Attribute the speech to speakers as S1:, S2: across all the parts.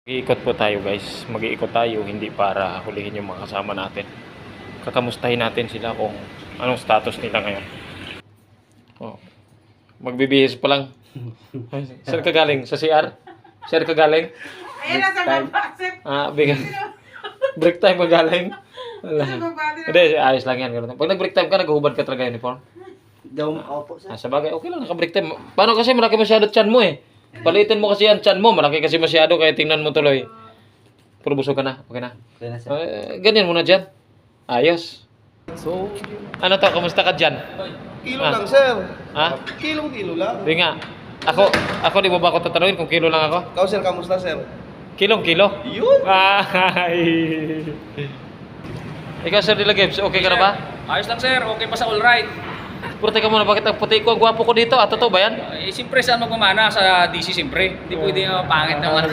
S1: Mag-iikot po tayo guys, mag-iikot tayo hindi para hulihin yung mga kasama natin. Kakamustahin natin sila kung anong status nila ngayon. Oh. Magbibihis pa lang. Saan ka galing? Sa CR? Sir ka galing?
S2: Ayun na sa baba.
S1: Bigyan. Break time ka galing? Wala. Hindi, ayos lang yan. Ganun. Pag nag-break time ka, naghubad ka talaga uniform.
S3: Daw opo sir.
S1: Sa bagay, okay lang, naka-break time. Paano kasi malaki masyado tiyan mo eh. Palitin mo kasi yan, tiyan mo. Malaki kasi masyado, kaya tingnan mo tuloy. Puro busog ka na, okay na.
S3: Okay na sir.
S1: Ganyan muna dyan. Ayos. So, ano to? Kamusta ka dyan?
S4: Kilo lang, sir.
S1: Ha?
S4: Kilong-kilo lang.
S1: Di nga. Ako, di mo ba ako tatanungin kung kilo lang ako?
S4: Ikaw, sir, kamusta, sir?
S1: Kilong-kilo?
S4: Yun.
S1: Ay. Ikaw, Sir Dila Gibbs, okay ka na ba?
S5: Ayos lang sir, okay pa sa all right.
S1: Pero teka muna, bakit ang puti ko, ang gwapo ko dito? Totoo ba yan?
S5: Siyempre saan magmamana sa DC siyempre. Hindi pwede pangit naman.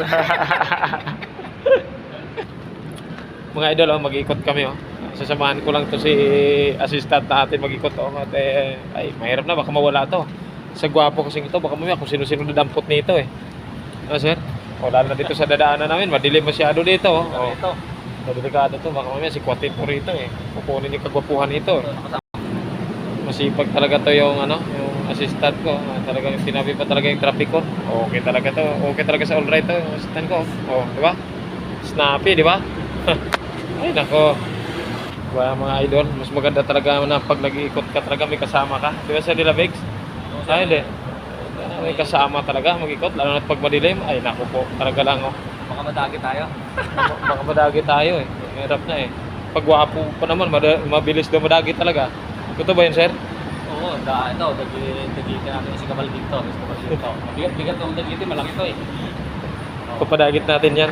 S1: Mga idol, mag-ikot kami. Sasamahan ko lang to si assistant natin mag-ikot. At ay, mahirap na, baka mawala to. Sa gwapo kasing ito, baka mamaya kung sino-sino nadampot nito eh. Ano, sir? Lalo na dito sa dadaanan namin, madilim masyado dito.
S5: Ito.
S1: Delikado to, baka mamaya si Kwatin po rito eh. Kukunin yung kagwapuhan nito. Masipag talaga to yung yung assistant ko. Talagang sinabi pa talaga yung traffic ko. Okay talaga to. Okay talaga sa all right to yung assistant ko. Di ba? Snappy, di ba? Ay nako. Mga idol, mas maganda talaga na pag nag-iikot ka talaga may kasama ka. Di ba sa Dila Bigs? Ay hindi. May kasama talaga mag-ikot, lalo na pag madilim. Ay nako po, talaga lang
S5: Baka madagi tayo.
S1: Baka madagi tayo eh. Mahirap na eh. Pag wapo pa naman, mabilis daw madagi talaga. Ito ba yun, sir?
S5: Oo, ito, dagitin natin si Kamal dito. Bigat ng dagitin, malaki to eh.
S1: Papadagit natin yan.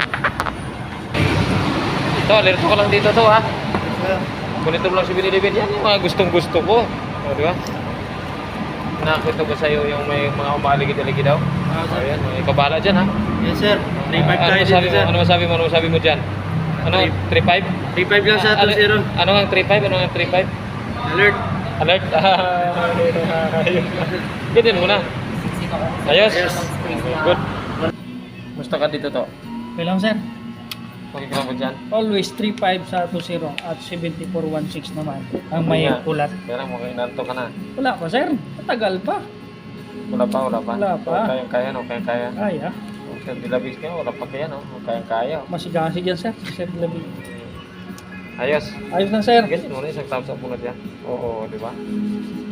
S1: Ito, alerto ka lang dito to ha. Monitor lang si Binilibin. Yan yung mga gustong-gusto ko. Di ba? Nakakita ba sa'yo yung may mga umaligid-aligid daw? Ayan, may kabala dyan ha.
S3: Yes sir. 3-5 tayo dito sir.
S1: Ano masabi mo? Ano masabi mo dyan? Ano? 3-5?
S3: 3-5 lang sa 2-0.
S1: Ano ang 3-5? Ano ang 3-5?
S3: Alert.
S1: Alert? Ganyan muna. Ayos? Good. Musta ka dito to?
S2: Okay lang sir.
S1: Okay ka lang ba dyan?
S2: Always 3-5 sa 2-0 at 74-16 naman. Ang may
S1: Nga.
S2: ulat.
S1: Kaya lang mukhang inanto ka na.
S2: Wala pa sir. Matagal pa.
S1: Wala pa.
S2: Wala pa.
S1: Kayang-kaya, no? Kayang-kaya.
S2: Ay ah.
S1: Sir Dilabis ka, wala pa kaya, no? Kayang-kaya.
S2: Masigasig yan sir. Sir Labi.
S1: Ayos.
S2: Ayos lang sir.
S1: Ganyan muna, isang thumbs up muna dyan. Oo, di ba?